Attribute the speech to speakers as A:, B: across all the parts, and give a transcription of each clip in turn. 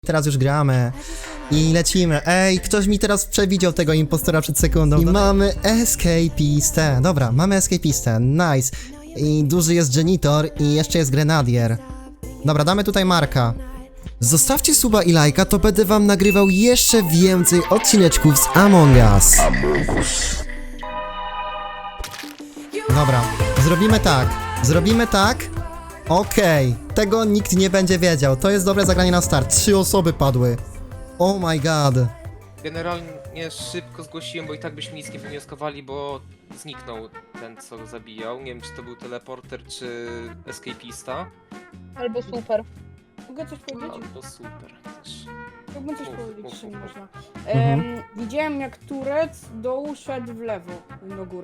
A: Teraz już gramy i lecimy. Ej, ktoś mi teraz przewidział tego impostora przed sekundą. I mamy escapistę. Dobra, mamy escapistę. Nice. I duży jest janitor i jeszcze jest grenadier. Dobra, damy tutaj Marka. Zostawcie suba i lajka, to będę wam nagrywał jeszcze więcej odcineczków z Among Us. Dobra, zrobimy tak. Zrobimy tak. Okej, tego nikt nie będzie wiedział. To jest dobre zagranie na start. 3 osoby padły. Oh my god.
B: Generalnie szybko zgłosiłem, bo i tak byśmy nic nie wywnioskowali, bo zniknął ten, co go zabijał. Nie wiem, czy to był teleporter, czy escapista.
C: Albo super. Mogę coś powiedzieć?
B: Albo super też.
C: Mógłbym coś
B: Mów,
C: powiedzieć,
B: mów,
C: jeśli
B: mów.
C: można.
A: Mhm.
C: Widziałem jak turec z dołu szedł w lewo, do góry.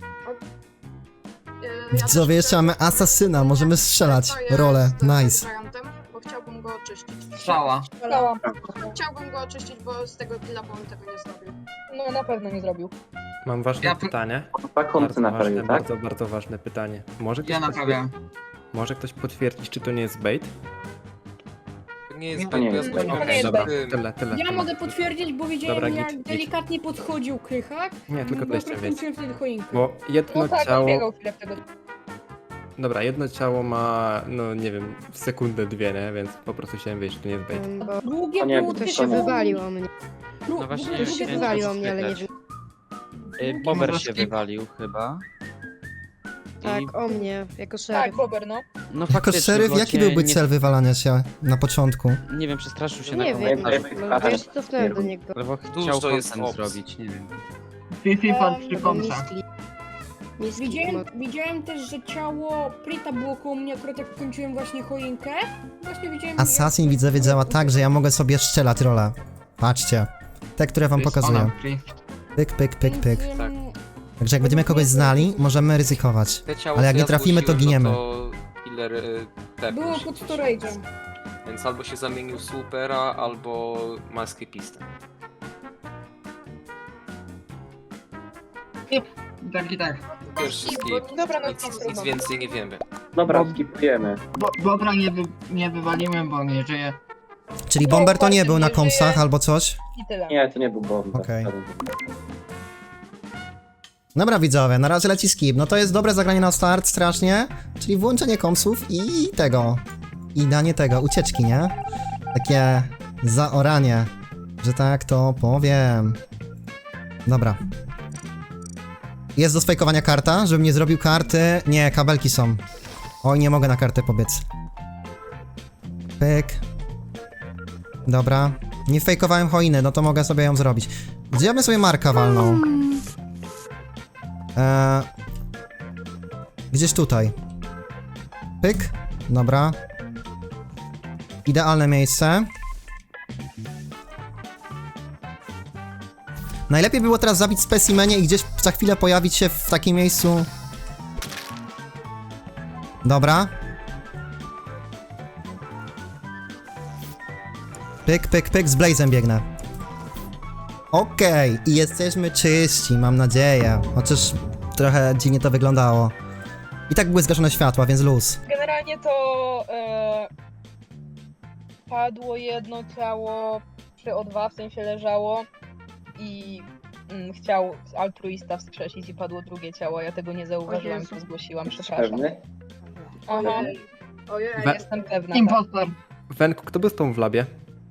A: Widzowie, jeszcze mamy asasyna, możemy strzelać. Rolę, nice.
D: Bo chciałbym go oczyścić.
E: Strzała.
C: Stała.
D: Chciałbym go oczyścić, bo z tego killa bym tego nie zrobił.
C: No na pewno nie zrobił.
F: Mam ważne
E: Ja-
F: pytanie.
G: Dwa kąty naprawił, tak?
F: Bardzo ważne pytanie.
E: Ja naprawiam.
F: Może ktoś potwierdzić, czy to nie jest bait?
B: To nie jest
E: To
B: bait,
G: nie
B: bo ja
G: jest
B: zgłosiłem
C: bait.
B: przed
F: Dobra,
B: tym.
F: tyle.
C: Ja mogę potwierdzić, bo widziałem
F: Dobra,
C: jak
F: git.
C: delikatnie podchodził Krychak.
F: Nie, tylko
C: bo
F: tyle chciałem wiedzieć.
C: kręciłem wtedy choinkę.
F: Bo jedno
C: No tak,
F: ciało...
C: biegał chwilę w tego.
F: Dobra, jedno ciało ma, no nie wiem, sekundę, dwie, nie? Więc po prostu chciałem wiedzieć, czy to nie jest bait.
H: Bo
C: Drugie
G: To nie,
C: było
G: to
H: to
C: też
H: się
G: nie.
H: wywaliło mnie.
I: No właśnie,
C: drugie
H: To się
I: Chciałem
H: wywaliło
I: to
H: mnie, ale nie
I: spytać.
H: wiem.
I: Bober
E: Może
I: się
E: skip-
I: wywalił chyba.
H: Tak, o mnie, jako
C: Tak,
H: szeryf.
C: Bober, no.
I: No
A: Jako
I: faktycznie,
A: szeryf,
I: bo
A: jaki
I: cię
A: byłby
I: nie,
A: cel wywalania się na początku?
I: Nie wiem, przestraszył się
H: Nie
I: na
H: wiem,
I: komentarz.
H: no, bo ja się cofnąłem do niego.
I: Albo
B: Dużo
I: chciał
B: jest
I: content
B: ops.
I: zrobić, nie wiem.
E: Fifi pod trzy
H: Albo
E: kąta.
H: misklik. Misklik
C: Widziałem też, że ciało Prita było koło mnie akurat jak kończyłem właśnie choinkę. Właśnie widziałem...
A: Assassin, widzowie, działa tak, że ja mogę sobie strzelać rolę. Patrzcie. Te, które wam pokazuję. Pyk, pyk, pyk, pyk.
B: Tak.
A: Także jak będziemy kogoś znali, możemy ryzykować.
B: Te ciało,
A: Ale jak
B: co
A: nie
B: ja
A: trafimy, to
B: zgłosiłem,
A: giniemy.
B: No to killer tepnął
C: Było
B: się
C: pod
B: gdzieś.
C: storage'em.
B: Więc albo się zamienił w supera, albo ma escapistę.
E: Tak i tak.
B: Pierwszy skip.
C: Dobra, no
B: Nic więcej nie wiemy.
G: Dobra, skipujemy.
E: Bobra nie wywaliłem, bo nie żyje.
A: Czyli bomber to nie był na komsach albo coś?
C: I tyle.
G: Nie, to nie był bomb.
A: Okej. Dobra, widzowie, na razie leci skip. No to jest dobre zagranie na start, strasznie. Czyli włączenie komsów i tego. I danie tego, ucieczki, nie? Takie zaoranie, że tak to powiem. Dobra. Jest do sfejkowania karta, żebym nie zrobił karty. Nie, kabelki są. Oj, nie mogę na kartę pobiec. Pyk. Dobra. Nie fejkowałem choiny, no to mogę sobie ją zrobić. Gdzie ja bym sobie Marka walnął? Gdzieś tutaj. Pyk. Dobra. Idealne miejsce. Najlepiej było teraz zabić specimenie i gdzieś za chwilę pojawić się w takim miejscu. Dobra. Pyk, pyk, pyk, z Blazem biegnę. Okej, i jesteśmy czyści, mam nadzieję. Chociaż trochę dziwnie to wyglądało. I tak były zgaszone światła, więc luz.
C: Generalnie to padło jedno ciało przy O2, w sensie leżało i chciał altruista wskrzesić i padło drugie ciało. Ja tego nie zauważyłam, to zgłosiłam, przepraszam.
G: Pewny?
C: Aha,
D: Ojej,
C: jestem pewna.
E: Impostor.
F: Wenku, kto był z tą w labie?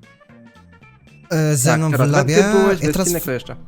A: Ze mną w
F: teraz
A: labie?
F: Ty byłeś,
A: Ja, teraz...
F: Westynek, kto jeszcze?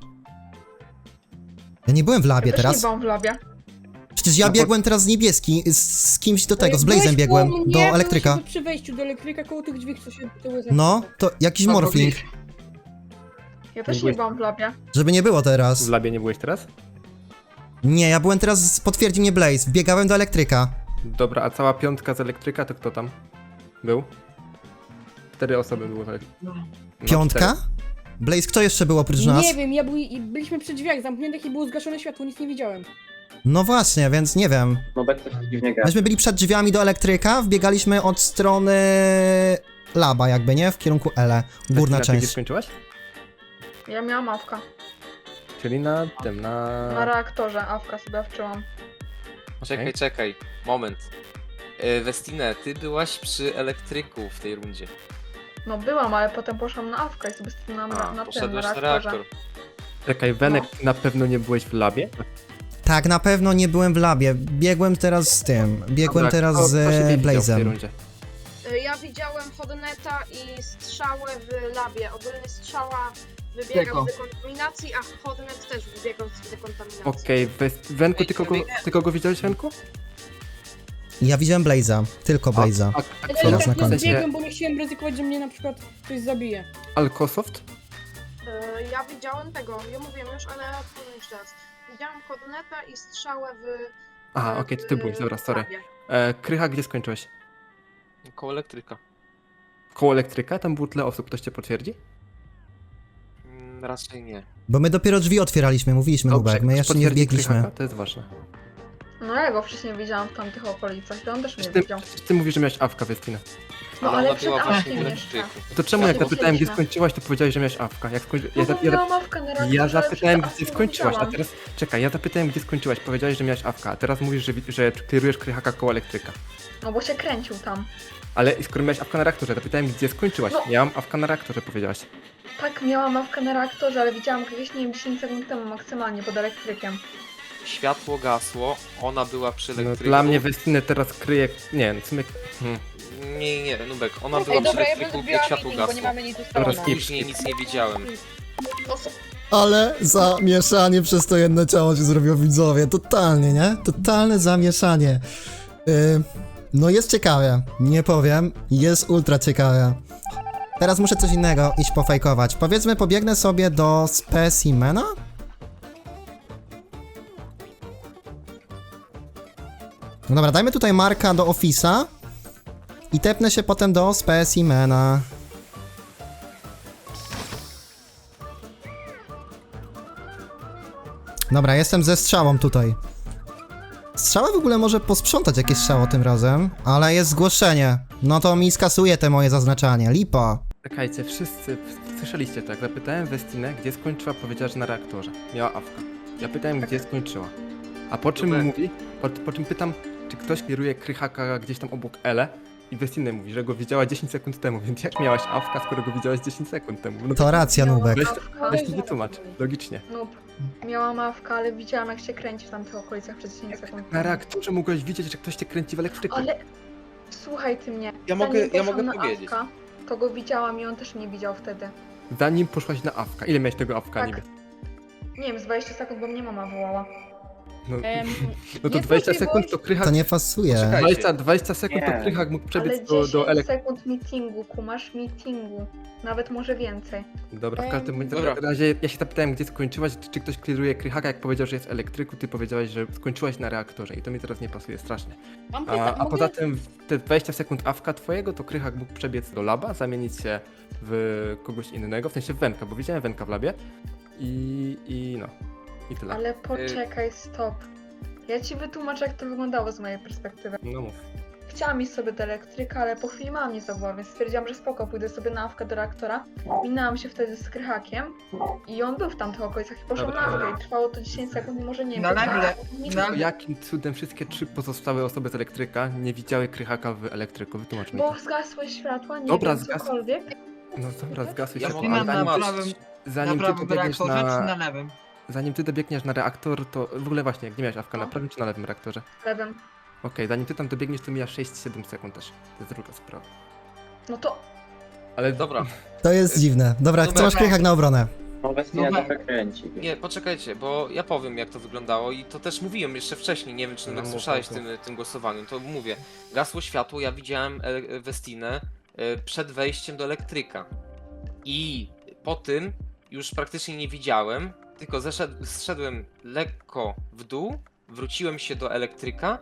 A: ja nie byłem w labie
D: Też nie
A: teraz.
D: byłam w labie.
A: Przecież ja
F: No
A: biegłem teraz z niebieski, z kimś do tego, z
C: Byłeś
A: Blazem biegłem,
C: koło mnie,
A: do
C: byłeś
A: elektryka.
C: przy wejściu do elektryka koło tych drzwi, co się tyły
A: No, to jakiś morfling,
D: Ja też nie byłam w labie.
A: żeby nie było
F: W
A: teraz.
F: labie nie byłeś teraz?
A: Nie, ja byłem teraz, potwierdzi mnie Blaze, biegałem do elektryka.
F: Dobra, a cała piątka z elektryka, to kto tam był? 4 osoby było tak. No,
A: Piątka? Blaze, kto jeszcze był oprócz nas?
C: Nie wiem, byliśmy przy drzwiach zamkniętych i było zgaszone światło, nic nie widziałem.
A: No właśnie, więc nie wiem.
G: No tak coś dziwnie gra.
A: Myśmy byli przed drzwiami do elektryka, wbiegaliśmy od strony laba jakby, nie? W kierunku Ele, górna
F: Westyna, ty gdzie
A: część.
F: skończyłaś?
D: Ja miałam awka.
F: Czyli na tym,
D: Na reaktorze awka sobie wczyłam.
B: Czekaj, moment. Westine, ty byłaś przy elektryku w tej rundzie.
J: No byłam, ale potem poszłam na awkę i sobie stałam na tym
B: Poszedłeś na
J: reaktorze.
B: reaktor.
F: Czekaj, Wenek, na pewno nie byłeś w labie?
A: Tak, na pewno nie byłem w labie. Biegłem teraz z tym. Biegłem
F: Dobra,
A: teraz
F: kto
A: z
F: ciebie widział w tej
A: Blazem.
F: rundzie?
D: Ja widziałem Hodneta i strzałę w labie. Ogólnie strzała wybiegał
E: Tylko.
D: z dekontaminacji, a Hodnet też wybiegał z dekontaminacji.
F: Okej, Wenku, ty kogo widziałeś, Wenku?
A: Ja widziałem Blaza, tylko Blaza. Teraz na koniec.
F: sensie
H: bo nie chciałem ryzykować, że mnie na przykład ktoś zabije.
F: Alkosoft?
D: Ja widziałem tego, ja mówiłem już, ale powiem jeszcze raz. Widziałem Hodneta i strzałę w...
F: Aha, okej, to ty byłeś, dobra, sorry.
D: labie.
F: Krycha, gdzie skończyłeś?
B: Koło elektryka.
F: Koło elektryka? Tam było tyle osób, ktoś cię potwierdzi?
B: Raczej nie.
A: Bo my dopiero drzwi otwieraliśmy, mówiliśmy Nubek, my jeszcze nie
F: potwierdzi
A: wbiegliśmy.
F: Krychaka? To jest ważne.
J: No ja go wcześniej widziałam w tamtych okolicach i on też mnie
F: Przecież
J: widział.
F: ty mówisz, że miałeś awka, Westina.
J: No
B: Ale
J: ale
B: ona
J: przed
B: była właśnie
J: awkiem
B: w
J: jeszcze.
B: elektryku.
F: To czemu jak
J: Ja to
F: zapytałem, gdzie
J: widzieliśmy.
F: skończyłaś, to powiedziałeś, że miałeś awka? Jak skończy...
J: No bo miałam awkę na reaktorze,
F: Ja
J: ale
F: zapytałem,
J: przed
F: gdzie
J: awką
F: skończyłaś, a
J: widziałam.
F: teraz... Czekaj, ja zapytałem, gdzie skończyłaś, powiedziałeś, że miałeś awka, a teraz mówisz, że kierujesz Krychaka koło elektryka.
J: No bo się kręcił tam.
F: Ale skoro miałeś awka na reaktorze, to pytałem, gdzie skończyłaś.
J: No.
F: Miałam awka na reaktorze, powiedziałaś.
J: Tak, miałam awkę na reaktorze, ale widziałam go gdzieś, nie wiem, 10 sekund temu maksymalnie pod elektrykiem.
B: Światło gasło, ona była przy
F: No,
B: elektryku.
F: dla mnie Westinę teraz kryje... Nie, w sumie...
B: Nie, Nubek, ona była
C: Ej,
B: przy
C: dobra, ja
B: elektryku,
C: będę
B: jak
C: biała
B: światło
C: meeting, bo nie
B: gasło.
C: mamy nic
F: Dobra,
C: ustalone.
F: skip.
B: Później nic nie widziałem.
A: Ale zamieszanie przez to jedno ciało się zrobiło, widzowie. Totalnie, nie? Totalne zamieszanie. No jest ciekawe, nie powiem. Jest ultra ciekawe. Teraz muszę coś innego iść pofejkować. Powiedzmy, pobiegnę sobie do specimena? No dobra, dajmy tutaj Marka do Office'a i tepnę się potem do specimena. Dobra, jestem ze strzałą tutaj. Strzała w ogóle może posprzątać jakieś strzało tym razem, ale jest zgłoszenie. No to mi skasuje te moje zaznaczanie. Lipa.
F: Czekajcie, wszyscy słyszeliście tak? Zapytałem Westinę, gdzie skończyła, powiedziała, że na reaktorze. Miała awka. Ja pytałem, gdzie skończyła. A po czym
B: Dobra.
F: mówi, po czym pytam, czy ktoś kieruje Krychaka gdzieś tam obok Ele i Westinę mówi, że go widziała 10 sekund temu, więc jak miałaś awka, skoro go widziałaś 10 sekund temu? No
A: To racja, Nubek.
F: weź mi wytłumacz, logicznie.
J: No, miałam awkę, ale widziałam jak się kręci w tamtych okolicach przez 10 sekund.
F: Na reaktorze mogłeś widzieć, że ktoś cię kręci w elektryku.
J: Ale słuchaj ty mnie.
B: Ja mogę
J: zanim poszłam na
B: powiedzieć.
J: awka, to go widziałam i on też mnie widział wtedy.
F: Zanim poszłaś na awka. Ile miałeś tego awka
J: Tak.
F: niby?
J: Nie wiem, z 20 sekund, bo mnie mama wołała.
F: No, no to
C: nie
F: 20
C: słyszę,
F: sekund
C: bo-
F: to Krychak...
A: To nie fasuje.
B: Czekaj.
F: 20 sekund to
G: Nie.
F: Krychak mógł
J: Ale
F: przebiec
J: 10
F: do elektryku.
J: sekund meetingu, kumasz meetingu. Nawet może więcej.
F: Dobra, w każdym bądź
B: Dobra.
F: razie ja się zapytałem, gdzie skończyłaś, czy ktoś kliruje Krychaka, jak powiedział, że jest w elektryku, ty powiedziałaś, że skończyłaś na reaktorze i to mi teraz nie pasuje strasznie. A poza tym te 20 sekund awka twojego, to Krychak mógł przebiec do laba, zamienić się w kogoś innego, w sensie w Wenka, bo widziałem Wenka w labie i no, i tyle.
J: Ale poczekaj, stop. Ja ci wytłumaczę, jak to wyglądało z mojej perspektywy.
F: No mów.
J: Chciałam iść sobie do elektryka, ale po chwili mama mnie zawołała, więc stwierdziłam, że spoko, pójdę sobie na awkę do reaktora. Minęłam się wtedy z Krychakiem i on był w tamtych okolicach i poszłam
F: Dobra.
J: na awkę i trwało to 10 sekund i może nie wiem.
E: No nagle,
F: To jakim cudem wszystkie 3 pozostałe osoby z elektryka nie widziały Krychaka w elektryku? Wytłumacz mi
J: Bo
F: to.
J: zgasły światła, nie
F: Dobra,
J: wiem,
F: zgasły.
J: cokolwiek.
F: No dobra, zgasły
B: Ja
F: się.
B: mogę
E: Westina
F: ale
E: na
F: zanim,
E: prawym,
F: zanim
E: na
F: ty
E: prawym
F: dobiegniesz
E: reaktorze czy na
F: na...
E: lewym?
F: Zanim ty dobiegniesz na reaktor, to w ogóle właśnie, gdzie miałeś awka, na
J: No.
F: prawym czy na lewym reaktorze?
J: Lewym.
F: Okej, zanim ty tam dobiegniesz, to mija 6-7 sekund też. To jest druga sprawa.
J: No to
F: Ale
B: Dobra,
A: To jest dziwne. Dobra,
B: Nubek.
A: co masz Krychak na obronę?
G: No Westina
E: No,
G: trochę kręci.
B: nie, poczekajcie, bo ja powiem jak to wyglądało i to też mówiłem jeszcze wcześniej, nie wiem czy
F: No,
B: Nubek
F: mów,
B: słyszałeś
F: mów.
B: tym głosowaniu, to mówię. Gasło światło, ja widziałem Westinę przed wejściem do elektryka. I po tym już praktycznie nie widziałem, tylko zszedłem lekko w dół, wróciłem się do elektryka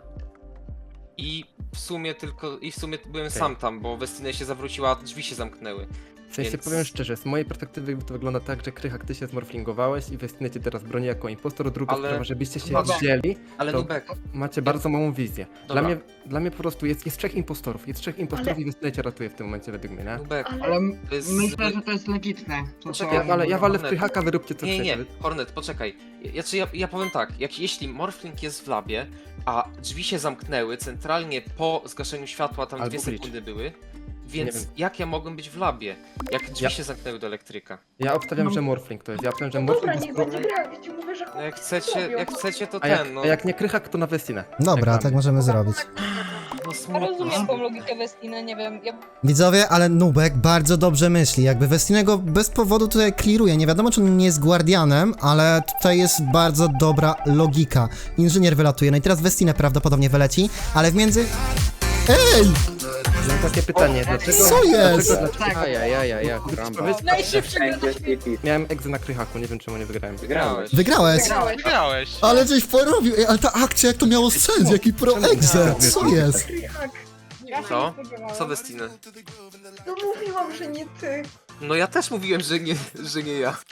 B: i w sumie byłem sam tam, bo Westina się zawróciła, a drzwi się zamknęły.
F: w sensie
B: Więc-
F: powiem szczerze, z mojej perspektywy to wygląda tak, że Krychak, ty się zmorflingowałeś i Westinę cię teraz broni jako impostor. Druga
B: Ale-
F: sprawa, żebyście się
B: Dobra.
F: wzięli,
B: Ale
F: to
B: Nubek,
F: macie bardzo małą wizję.
B: Dobra.
F: Dla mnie po prostu jest 3 impostorów. Jest 3 impostorów
J: Ale-
F: i Westinę cię ratuje w tym momencie według mnie, nie?
B: Nubek,
J: Ale-
E: Ale
B: to jest...
E: myślę, że to jest legitne. To,
B: Poczekaj,
F: Ja walę w
B: Hornet.
F: Krychaka, wy róbcie co
B: Nie,
F: chcecie.
B: Hornet, poczekaj. Ja powiem tak, jeśli Morphling jest w labie, a drzwi się zamknęły centralnie po zgaszeniu światła, tam
F: Albo
B: 2
F: glitch.
B: sekundy były, Więc
F: Nie wiem.
B: jak ja mogłem być w labie? Jak drzwi
F: Ja-
B: się zamknęły do elektryka?
F: Ja obstawiam, że Morphling to jest. Ja obstawiam, że
J: No dobra,
F: Morphling
J: niech
F: jest...
J: będzie gra, ja ci mówię, że
B: No jak chcecie to
F: A
B: no.
F: jak nie Krychak, to na Westinę.
A: Dobra,
F: Jak
A: tak możemy zrobić.
B: No
C: Ja
B: smutno.
C: rozumiem tą logikę Westiny, nie wiem, ja
A: Widzowie, ale Nubek bardzo dobrze myśli. Jakby Westinego bez powodu tutaj clearuje. Nie wiadomo, czy on nie jest guardianem, ale tutaj jest bardzo dobra logika. Inżynier wylatuje. No i teraz Westinę prawdopodobnie wyleci, ale w między... Ej!
F: Mam takie pytanie, dlaczego...
A: Co jest?
F: Dlaczego...
I: Ajajajaj,
F: Powiedz-
H: Najszybszy gra na świecie.
F: Miałem egzę na Krychaku, nie wiem czemu nie wygrałem.
B: Wygrałeś.
A: Wygrałeś!
B: Wygrałeś.
A: Ale żeś porobił! Ej, ale ta akcja, jak to miało sens? Jaki pro-exe! Co jest?
J: Krychak.
H: Ja się
B: Co?
H: nie spodziewałam.
B: Co Westinę?
J: No mówiłam, że nie ty.
B: No ja też mówiłem, że nie ja.